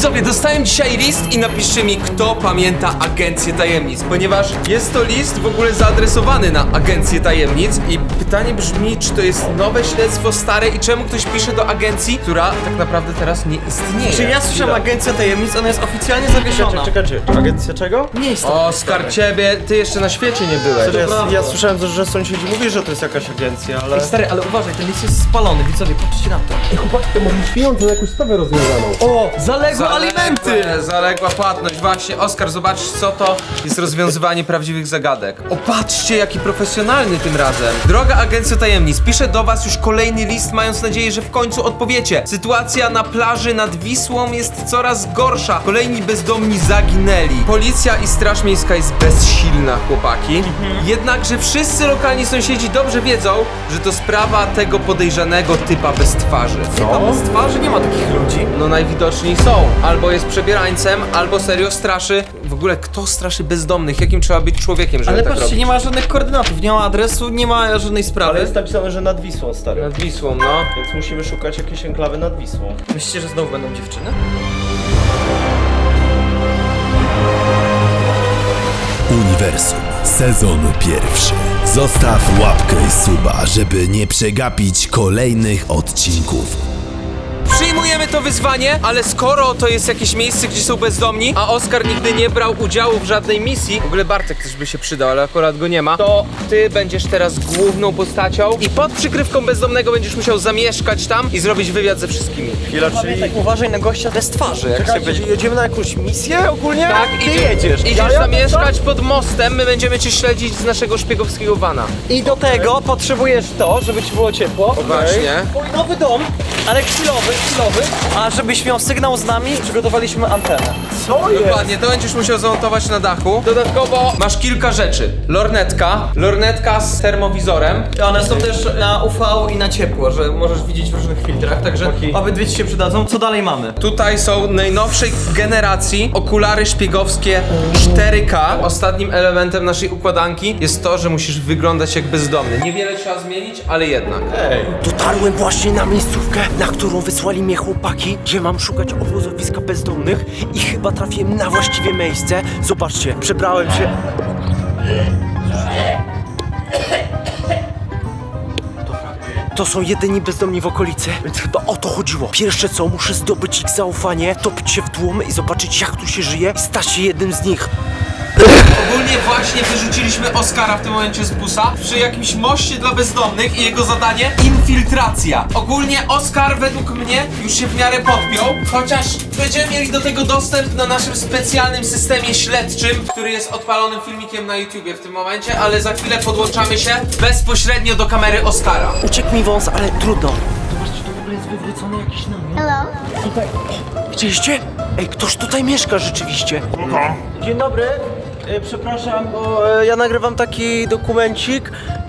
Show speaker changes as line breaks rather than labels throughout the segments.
Widzowie, dostałem dzisiaj list i napiszcie mi, kto pamięta Agencję Tajemnic, ponieważ jest to list w ogóle zaadresowany na Agencję Tajemnic i pytanie brzmi, czy to jest nowe śledztwo, stare i czemu ktoś pisze do agencji, która tak naprawdę teraz nie istnieje.
Czy ja słyszałem Agencja Tajemnic, ona jest oficjalnie zawieszona.
Czekaj, agencja czego?
Nie jest to.
Oskar, ciebie, ty jeszcze na świecie nie byłeś.
Ja słyszałem, że sąsiedzi mówi, że to jest jakaś agencja, ale...
Stary, ale uważaj, ten list jest spalony, widzowie, patrzcie na to.
Ej, chłopaki, to może mieć pieniądze na jakąś sprawę rozwiązaną.
O, zaległe alimenty!
Zaległa płatność, właśnie. Oskar, zobacz, co to jest rozwiązywanie prawdziwych zagadek. Opatrzcie, jaki profesjonalny tym razem. Droga Agencjo Tajemnic, piszę do was już kolejny list, mając nadzieję, że w końcu odpowiecie. Sytuacja na plaży nad Wisłą jest coraz gorsza. Kolejni bezdomni zaginęli. Policja i Straż Miejska jest bezsilna, chłopaki. Jednakże wszyscy lokalni sąsiedzi dobrze wiedzą, że to sprawa tego podejrzanego typa bez twarzy.
Co? Bez twarzy nie ma takich ludzi.
No najwidoczniej są. Albo jest przebierańcem, albo serio straszy. W ogóle kto straszy bezdomnych? Jakim trzeba być człowiekiem, żeby
Ale
tak
patrzcie,
robić?
nie ma żadnych koordynatów, nie ma adresu, nie ma żadnej sprawy.
Ale jest napisane, że nad Wisłą, stary.
Nad Wisłą, no.
Więc musimy szukać jakiejś enklawy nad Wisłą.
Myślicie, że znowu będą dziewczyny?
Uniwersum, sezon pierwszy. Zostaw łapkę i suba, żeby nie przegapić kolejnych odcinków.
Przyjmujemy to wyzwanie, ale skoro to jest jakieś miejsce, gdzie są bezdomni, a Oskar nigdy nie brał udziału w żadnej misji, w ogóle Bartek też by się przydał, ale akurat go nie ma, to ty będziesz teraz główną postacią i pod przykrywką bezdomnego będziesz musiał zamieszkać tam i zrobić wywiad ze wszystkimi.
Chwila, czyli...
Tak, uważaj na gościa bez twarzy, jak
Czekajcie,
sobie
czyli jedziemy na jakąś misję ogólnie?
Tak,
Ty jedziesz.
Idziesz zamieszkać pod mostem, my będziemy cię śledzić z naszego szpiegowskiego vana.
I do tego potrzebujesz to, żeby ci było ciepło.
Właśnie.
Twój nowy dom, ale chwilowy, a żebyś miał sygnał z nami, przygotowaliśmy antenę.
Co jest?
Dokładnie, to będziesz musiał zamontować na dachu. Dodatkowo masz kilka rzeczy. Lornetka z termowizorem.
One są też na UV i na ciepło, że możesz widzieć w różnych filtrach, także obydwie ci się przydadzą. Co dalej mamy?
Tutaj są najnowszej generacji okulary szpiegowskie 4K. Ostatnim elementem naszej układanki jest to, że musisz wyglądać jak bezdomny. Niewiele trzeba zmienić, ale jednak.
Dotarłem właśnie na miejscówkę, na którą wysłali mnie chłopaki, gdzie mam szukać obozowiska bezdomnych i chyba trafiłem na właściwe miejsce. Zobaczcie, przebrałem się... To są jedyni bezdomni w okolicy, więc chyba o to chodziło. Pierwsze co, muszę zdobyć ich zaufanie, topić się w tłum i zobaczyć jak tu się żyje i stać się jednym z nich.
Ogólnie właśnie wyrzuciliśmy Oskara w tym momencie z busa przy jakimś moście dla bezdomnych i jego zadanie infiltracja. Ogólnie Oskar według mnie już się w miarę podpiął, chociaż będziemy mieli do tego dostęp na naszym specjalnym systemie śledczym, który jest odpalonym filmikiem na YouTubie w tym momencie, ale za chwilę podłączamy się bezpośrednio do kamery Oskara.
Uciekł mi wąs, ale trudno. Zobaczcie, to w ogóle jest wywrócony jakiś namiot.
Hello.
Tutaj. Widzieliście? Ej, ktoś tutaj mieszka rzeczywiście.
Dzień dobry. Przepraszam, bo ja nagrywam taki dokumencik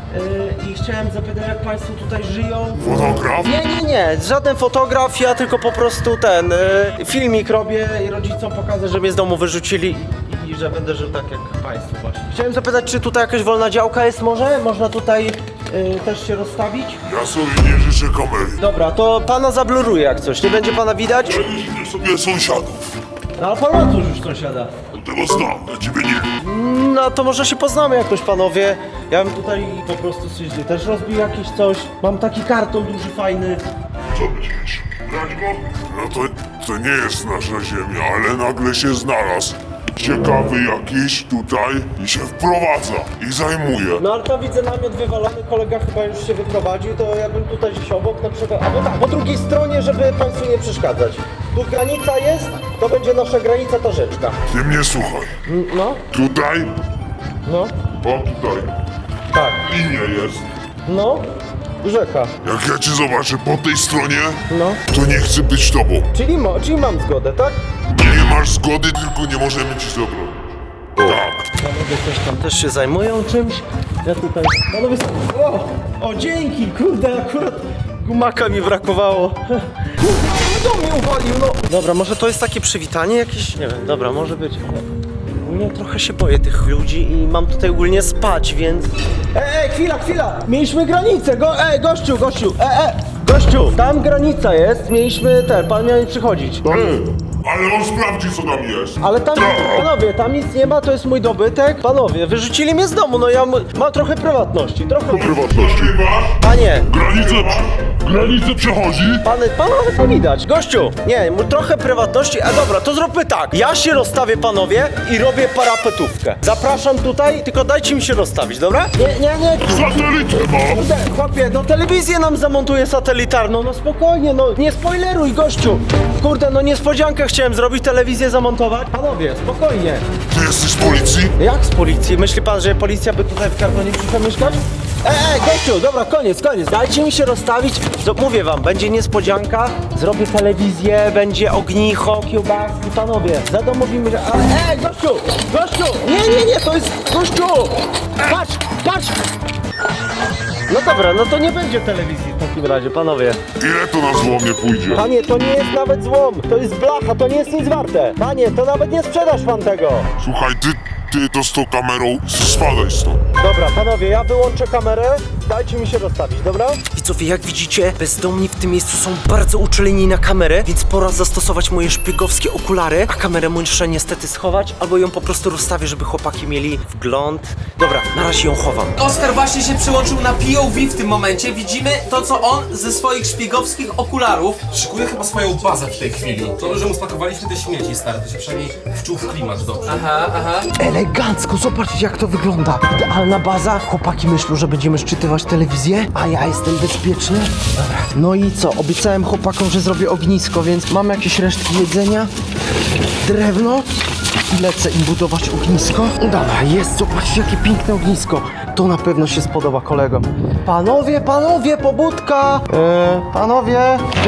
i chciałem zapytać, jak państwo tutaj żyją.
Fotograf?
Nie, żaden fotograf, ja tylko po prostu filmik robię i rodzicom pokażę, że mnie z domu wyrzucili i że będę żył tak jak państwo właśnie. Chciałem zapytać, czy tutaj jakaś wolna działka jest może? Można tutaj też się rozstawić?
Ja sobie nie życzę kamery.
Dobra, to pana zabluruję jak coś, nie będzie pana widać?
Życzę sobie sąsiadów.
No ale pan ma tu już sąsiada.
Tego znam, na ciebie nie.
No to może się poznamy jakoś, panowie. Ja bym tutaj po prostu też rozbił jakieś coś. Mam taki karton duży, fajny.
Co myślisz? Brać go? No to nie jest nasza ziemia, ale nagle się znalazł. Ciekawy jakiś tutaj i się wprowadza i zajmuje.
No ale tam widzę namiot wywalony, kolega chyba już się wyprowadził, to ja bym tutaj gdzieś obok na przykład, albo tak, po drugiej stronie, żeby państwu nie przeszkadzać. Tu granica jest, to będzie nasza granica, ta rzeczka.
Ty mnie słuchaj.
No,
Tutaj,
no,
o tutaj,
tak,
linia jest.
no, rzeka,
Jak ja cię zobaczę po tej stronie,
no.
to nie chcę być tobą.
Czyli mam zgodę, tak?
Nie masz zgody, tylko nie możemy ci zabrać. Tak.
Panowie też tam też się zajmują czymś. Ja tutaj... Panowie... O, dzięki, kurde, akurat gumaka mi brakowało. Kurde, do mnie uwalił, no. Dobra, może to jest takie przywitanie jakieś? Nie wiem, dobra, może być. Ogólnie trochę się boję tych ludzi i mam tutaj ogólnie spać, więc... Chwila! Mieliśmy granicę, gościu! Gościu, tam granica jest, mieliśmy pan miał nie przychodzić.
Stary, Ale on sprawdzi, co tam jest.
Ale tam, panowie, tam nic nie ma, to jest mój dobytek. Panowie, wyrzucili mnie z domu, no ja mam trochę prywatności, trochę...
Prywatności.
Panie,
Granicę przechodzi.
panowie to widać. Gościu, nie, trochę prywatności, a dobra, to zróbmy tak. Ja się rozstawię, panowie, i robię parapetówkę. Zapraszam tutaj, tylko dajcie mi się rozstawić, dobra? Nie.
Satelitę ma.
Kurde, chłopie, no telewizję nam zamontuję satelitarną, no spokojnie, no nie spoileruj, gościu. Kurde, no niespodziankę chciałem zrobić, telewizję zamontować. Panowie, spokojnie.
Ty jesteś z policji?
Jak z policji? Myśli pan, że policja by tutaj w kartonie przyszła mieszkać? Gościu, dobra, koniec. Dajcie mi się rozstawić. Mówię wam, będzie niespodzianka, zrobię telewizję, będzie ognicho, kiełbaski, panowie, zadomowimy się, ale gościu, nie, to jest, gościu, patrz! No dobra, no to nie będzie telewizji w takim razie, panowie.
Ile to na złomie pójdzie?
Panie, to nie jest nawet złom, to jest blacha, to nie jest nic warte. Panie, to nawet nie sprzedasz pan tego.
Słuchaj, ty to z tą kamerą, spadaj stąd.
Dobra, panowie, ja wyłączę kamerę, dajcie mi się rozstawić, dobra?
Widzowie, jak widzicie, bezdomni w tym miejscu są bardzo uczuleni na kamerę, więc pora zastosować moje szpiegowskie okulary, a kamerę muszę niestety schować, albo ją po prostu rozstawię, żeby chłopaki mieli wgląd. Dobra, na razie ją chowam.
Oskar właśnie się przyłączył na POV w tym momencie. Widzimy to, co on ze swoich szpiegowskich okularów.
Szykuje chyba swoją bazę w tej chwili. To, że mu spakowaliśmy te śmieci, stary, to się przynajmniej wczuł w klimat dobrze.
Aha.
Elegancko, zobaczcie jak to wygląda. Idealna baza. Chłopaki myślą, że będziemy szczytywać telewizję, a ja jestem bezpieczny. Dobra. No i co? Obiecałem chłopakom, że zrobię ognisko, więc mam jakieś resztki jedzenia, drewno i lecę im budować ognisko. Dobra, jest, zobaczcie jakie piękne ognisko. To na pewno się spodoba kolegom. Panowie, pobudka! Panowie!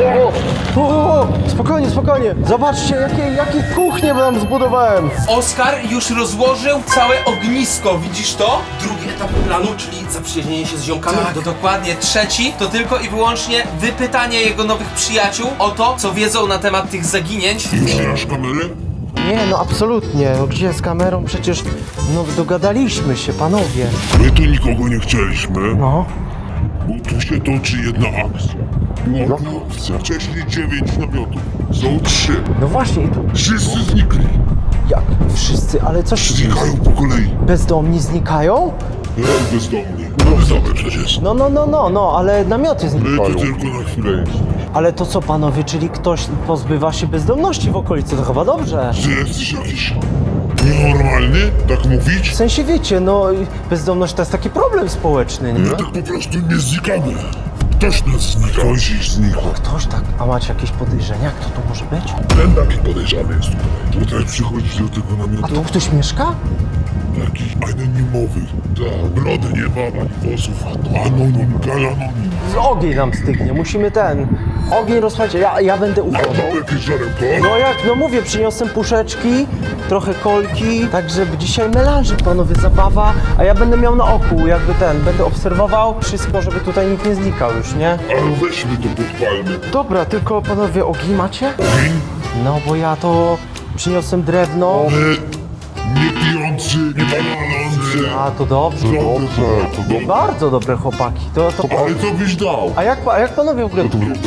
Spokojnie. Zobaczcie, jakie kuchnie wam zbudowałem.
Oskar już rozłożył całe ognisko, widzisz to?
Drugi etap planu, czyli zaprzyjaźnienie się z ziomkami.
To dokładnie. Trzeci to tylko i wyłącznie wypytanie jego nowych przyjaciół o to, co wiedzą na temat tych zaginięć.
Już masz kamerę?
Nie, no absolutnie. No gdzie z kamerą? Przecież, no dogadaliśmy się, panowie.
My tu nikogo nie chcieliśmy,
No.
bo tu się toczy jedna akcja. Była tu akcja. Wcześniej 9 namiotów. Są 3.
No właśnie, i to
Wszyscy znikli.
jak? Wszyscy, ale coś...
Znikają po kolei.
Bezdomni znikają?
Jak bezdomnie. Znamy przecież.
No, ale namioty
My
znikają.
tu tylko na chwilę jesteśmy.
Ale to co, panowie, czyli ktoś pozbywa się bezdomności w okolicy, to chyba dobrze.
Ty jesteś jakiś nienormalny? Tak mówić?
W sensie wiecie, no bezdomność to jest taki problem społeczny, nie?
My tak po prostu nie znikamy. Ktoś nas znika. Ktoś ich znika.
Ktoś tak, a macie jakieś podejrzenia, kto to może być?
Ten taki podejrzany jest tutaj. Tutaj przychodzi do tego
A
namiotu.
tu ktoś mieszka?
Taki anonimowy. Tak, brody nie ma, ani włosów. Anonim, galanonim.
Z ogień nam stygnie, musimy ogień rozpalić, ja będę uchował.
Mam jakieś żarełko?
No jak, no mówię, przyniosłem puszeczki, trochę kolki, tak żeby dzisiaj melanżyk, panowie, zabawa, a ja będę miał na oku, jakby będę obserwował wszystko, żeby tutaj nikt nie znikał już, nie?
Ale weźmy to podpalmy.
Dobra, tylko panowie, ogień macie?
Ogień?
No bo ja to przyniosłem drewno.
My nie pijący, nie palący.
A, to dobrze.
Dobrze, to dobrze.
Bardzo dobre chłopaki, to...
Ale co byś dał?
A jak panowie w ogóle...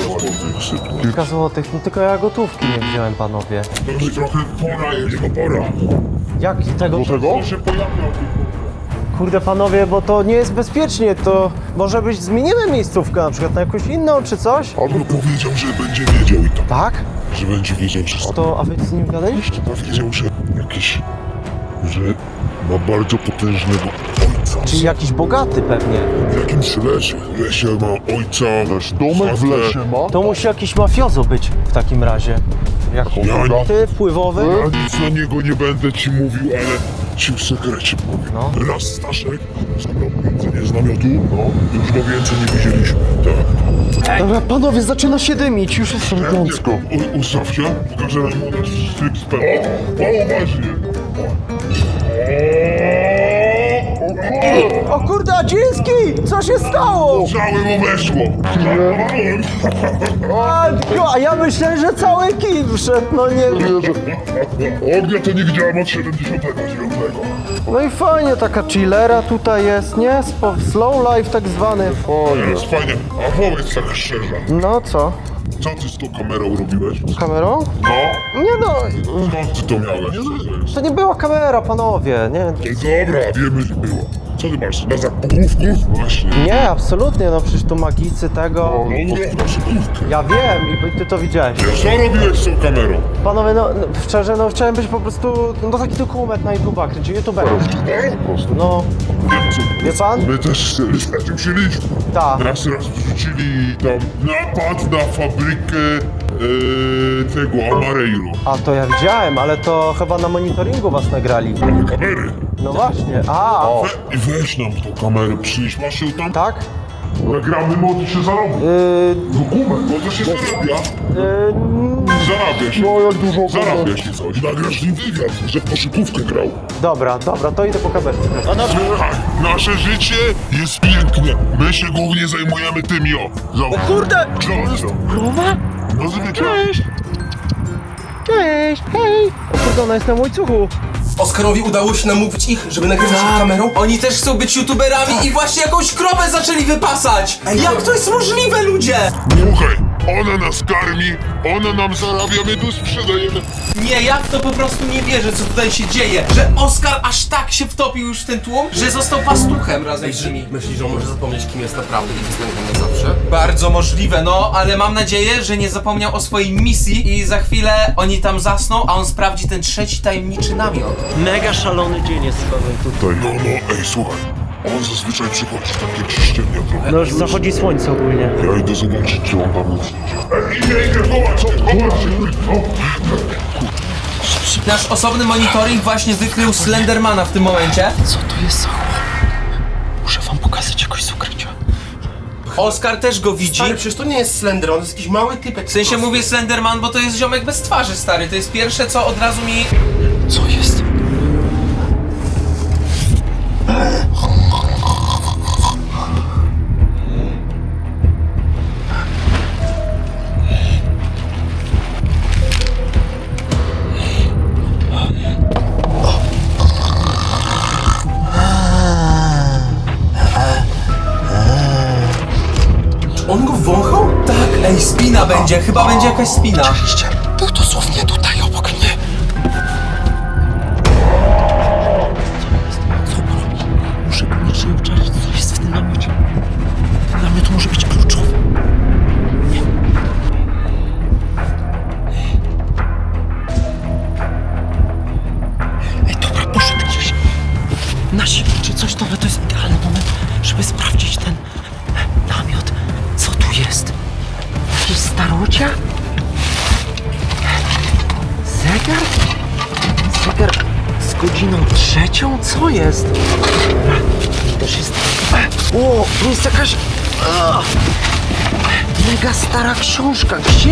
To
Kilka złotych, no tylko ja gotówki nie wziąłem, panowie.
już trochę pora jest, to pora.
Jak tego...
To się pojawiał.
Kurde panowie, bo to nie jest bezpiecznie, to może być zmienimy miejscówkę na przykład na jakąś inną czy coś?
Albo powiedział, że będzie wiedział i tak.
Tak?
Że będzie wiedział wszystko.
To, a wy z nim gadaliście?
Powiedział, że że ma bardzo potężnego ojca.
Czyli jakiś bogaty pewnie.
W jakimś lesie. W lesie ma ojca. Też domek w lesie ma?
To musi jakiś mafiozo być w takim razie. Jak bogaty, wpływowy?
Ja nic na niego nie będę ci mówił, ale ci w sekrecie powiem.
No.
Raz Staszek zabrał jedzenie z namiotu, już go więcej nie widzieliśmy. Tak.
Dobra, panowie, zaczyna się dymić, już jest elegancko.
Ustaw się, pokażę nam nasz tryb z pełną. O, uważnie.
O kurde, Adziński! Co się stało?
Całe mu weszło. Żartowałem.
A ja myślę, że cały kij wszedł, no nie...
Ognia to nie widziałem od 79.
No i fajnie, taka chillera tutaj jest, nie? Slow life tak zwany.
Jest fajnie, a powiedz tak szczerze.
No co?
Co ty z tą kamerą robiłeś?
Kamerą?
No?
Nie no,
Skąd ty to miałeś?
to nie była kamera, panowie, nie.
Dobra, wiemy, że było. Co ty masz? Na zakupówków? Właśnie.
Nie, absolutnie, no przecież tu magicy tego...
No, na szybówkę.
Ja wiem i ty to widziałeś.
Co robiłeś z tą kamerą?
Panowie, no szczerze, no chciałem być po prostu, no taki dokument na YouTube'a, kręcił youtuberów.
Po prostu.
No,
Wiem, co?
wie pan?
My też na tym chcieliśmy.
Tak.
Raz wrzucili tam napad na fabrykę tego Amareiro.
A to ja widziałem, ale to chyba na monitoringu was nagrali.
Mamy kamery.
No właśnie, a,
I weź nam tą kamerę, przynieś, masz ją tam?
tak?
Nagramy, może się zarobi. Dokument, bo to się zarabia. Zarabia się. No jak dużo zarabia się coś. Nagrasz nim wywiad, że w koszykówkę grał.
Dobra, to idę po kamerce.
Słuchaj, nasze życie jest piękne. My się głównie zajmujemy tymi, o. Zobacz.
Kurde!
Zobacz to.
Krowa?
No zwyczaj.
Cześć! Cześć, hej! O kurde, ona jest na łańcuchu.
Oskarowi udało się namówić ich, żeby nagrywać przed kamerą.
Oni też chcą być youtuberami i właśnie jakąś krowę zaczęli wypasać! Jak to jest możliwe, ludzie?
Słuchaj, ona nas karmi, ona nam zarabia, my tu sprzedajemy.
Nie, ja w to po prostu nie wierzę, co tutaj się dzieje. Że Oskar aż tak się wtopił już w ten tłum, że został pastuchem razem z nimi.
Myślisz, że on może zapomnieć, kim jest naprawdę i zostanie tam na zawsze?
Bardzo możliwe, no, ale mam nadzieję, że nie zapomniał o swojej misji i za chwilę oni tam zasną, a on sprawdzi ten trzeci tajemniczy namiot.
Mega szalony dzień jest tutaj.
No, ej, słuchaj, on zazwyczaj przychodzi tak jak się ściemnia trochę.
No już zachodzi słońce ogólnie.
Ja idę zobaczyć, czy on tam jest. Idę, zobacz się.
Nasz osobny monitoring właśnie wykrył Slendermana w tym momencie.
Co to jest za chłop? Muszę wam pokazać jakoś z ukrycia.
Oskar też go widzi.
Stary, przecież to nie jest Slender, on jest jakiś mały typek.
W sensie mówię Slenderman, bo to jest ziomek bez twarzy, stary. To jest pierwsze, co od razu mi...
Co jest?
On go wąchał?
Tak, ej, spina będzie, chyba będzie jakaś spina.
Oczywiście. Był dosłownie tutaj obok mnie. Co on robi? Muszę koniecznie obczaić, co jest w tym namiocie. Ten namiot może być kluczowy. Nie. Ej, dobra, poszedł gdzieś. Na siłę czy coś, dobra, to jest idealny moment, żeby sprawdzić ten namiot. Co tu jest? Jakieś starocia? Zegar? Zegar z godziną 3? Co jest? Dobra, też jest... O, to jest jakaś... Mega stara książka. Gdzie